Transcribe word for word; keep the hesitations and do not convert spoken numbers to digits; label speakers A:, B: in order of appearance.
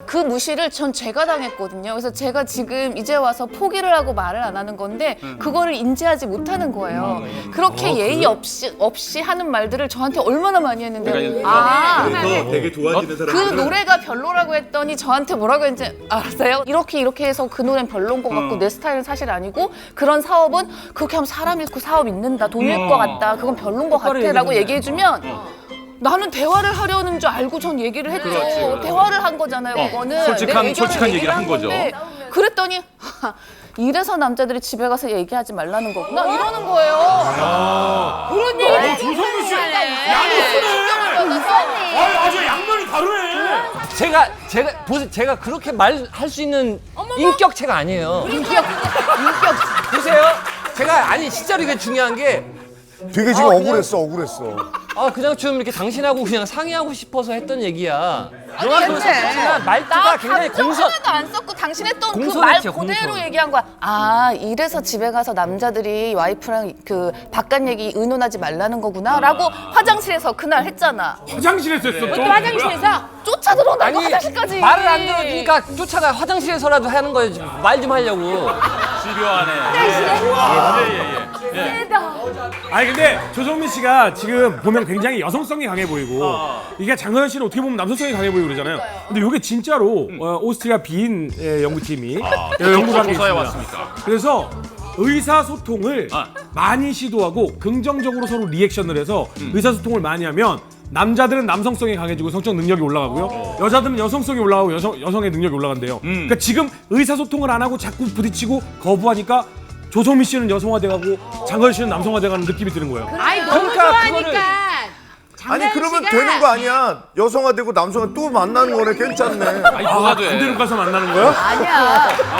A: 그 무시를 전 제가 당했거든요. 그래서 제가 지금 이제 와서 포기를 하고 말을 안 하는 건데 그거를 인지하지 못하는 거예요. 그렇게 예의 없이 없이 하는 말들을 저한테 얼마나 많이 했는데 아,
B: 그래서 되게 좋아지는
A: 그
B: 사람들은
A: 노래가 별로라고 했더니 저한테 뭐라고 했는지 알았어요? 이렇게 이렇게 해서 그 노래는 별로인 것 같고 내 스타일은 사실 아니고 그런 사업은 그렇게 하면 사람 잃고 사업 잃는다, 돈 잃을 것 같다, 그건 별로인 것 같아 라고 얘기해주면 나는 대화를 하려는 줄 알고 전 얘기를 했죠.
C: 그렇지, 그렇지.
A: 대화를 한 거잖아요, 그거는.
C: 솔직한-
A: 내 의견을
C: 솔직한 얘기를 한 거죠.
A: 건데 그랬더니 이래서 남자들이 집에 가서 얘기하지 말라는 거구나 이러는 거예요.
D: 그런 얘기를 조성민 씨 양수네. 아, 아주 양면이 다르네.
E: 제가 제가 보세요. 제가 그렇게 말할 수 있는 인격체가 아니에요.
A: 인격, 인격.
E: 보세요. 제가 아니 진짜로 이게 중요한 게
F: 되게 지금
E: 아,
F: 억울했어, 억울했어.
E: 아 그냥 좀 이렇게 당신하고 그냥 상의하고 싶어서 했던 얘기야. 영화 보면서
A: 근데
E: 하지만 말투가
A: 나
E: 굉장히
A: 감정
E: 공손.
A: 하나도 안 썼고 당신 했던 그 말
E: 공손했죠,
A: 그대로
E: 공손.
A: 얘기한 거야. 아 이래서 집에 가서 남자들이 와이프랑 그 바깥 얘기 의논하지 말라는 거구나라고 화장실에서 그날 했잖아.
D: 화장실에서 했어 또.
A: 화장실에서 쫓아 들어온다고
E: 아니
A: 화장실까지.
E: 말을 안 들어주니까 쫓아가 화장실에서라도 하는 거예요. 말 좀 하려고.
C: 집요하네.
D: 아니 근데 조성민 씨가 지금 보면 굉장히 여성성이 강해 보이고 이게 장도연 씨는 어떻게 보면 남성성이 강해 보이고 그러잖아요. 근데 이게 진짜로 어, 오스트리아 비인 예, 연구팀이 예, 연구를 한게
C: 조사해
D: 있습니다.
C: 왔습니까?
D: 그래서 의사소통을
C: 아.
D: 많이 시도하고 긍정적으로 서로 리액션을 해서 의사소통을 많이 하면 남자들은 남성성이 강해지고 성적 능력이 올라가고요. 여자들은 여성성이 올라가고 여성, 여성의 능력이 올라간대요. 그러니까 지금 의사소통을 안 하고 자꾸 부딪히고 거부하니까 조성민 씨는 여성화돼가고 장도연 씨는 남성화돼가는 느낌이 드는 거예요.
G: 아이 너무
E: 그러니까
G: 좋아하니까.
E: 그거를-
F: 아니 그러면 되는 거 아니야? 여성화되고 남성화 또 만나는 거네. 괜찮네.
C: 아니, 뭐가 돼?
D: 반대로 가서 만나는 거야?
A: 아니야.